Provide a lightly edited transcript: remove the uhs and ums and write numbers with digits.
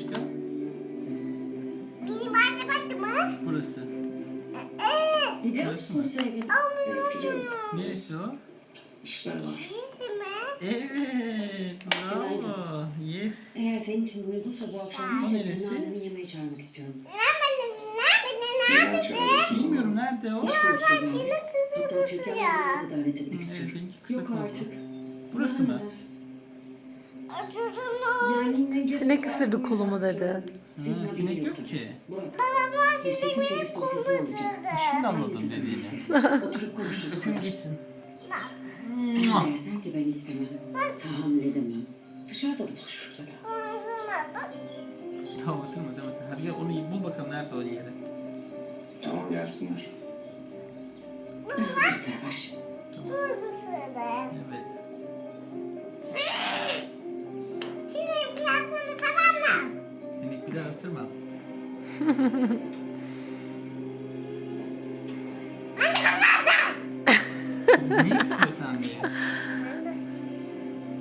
aşkım? Benim anne baktı mı? Burası. Gidiyor Burası musun mı? sevgilim? Evet gidiyorum. Neresi o? İşler var. Çizdi mi? Evet. Bravo. Yes. Eğer senin için uygunsa bu akşam O bir neresi? şekilde anneni yemeğe çağırmak istiyorum. Neden çağırıyorsun? Bilmiyorum nerede o? Hoş konuşacağız yani. Senin Hatta kızı Türkan ya. Hanım'ı da davet etmek Evet, istiyorum. benimki kısa Yok kaldı. artık. Burası mı? Yani Sinek ısırdı kolumu dedi. Ha, sinek yok ki. Baba sinek benim kolumu Şimdi anladım dediğini. Oturup konuşacağız. Öpüm geçsin. Dersen ki ben istemem. Tahammül edemem. Dışarıda da buluşuruz tabii. Tamam ısırma. Hadi gel onu bul bakalım nerede o yeri. Tamam gelsinler. Yeter var. Tamam. Evet. Şimdi plasını tamam mı? Sinek bir daha ısırma. Ne istiyorsan diye.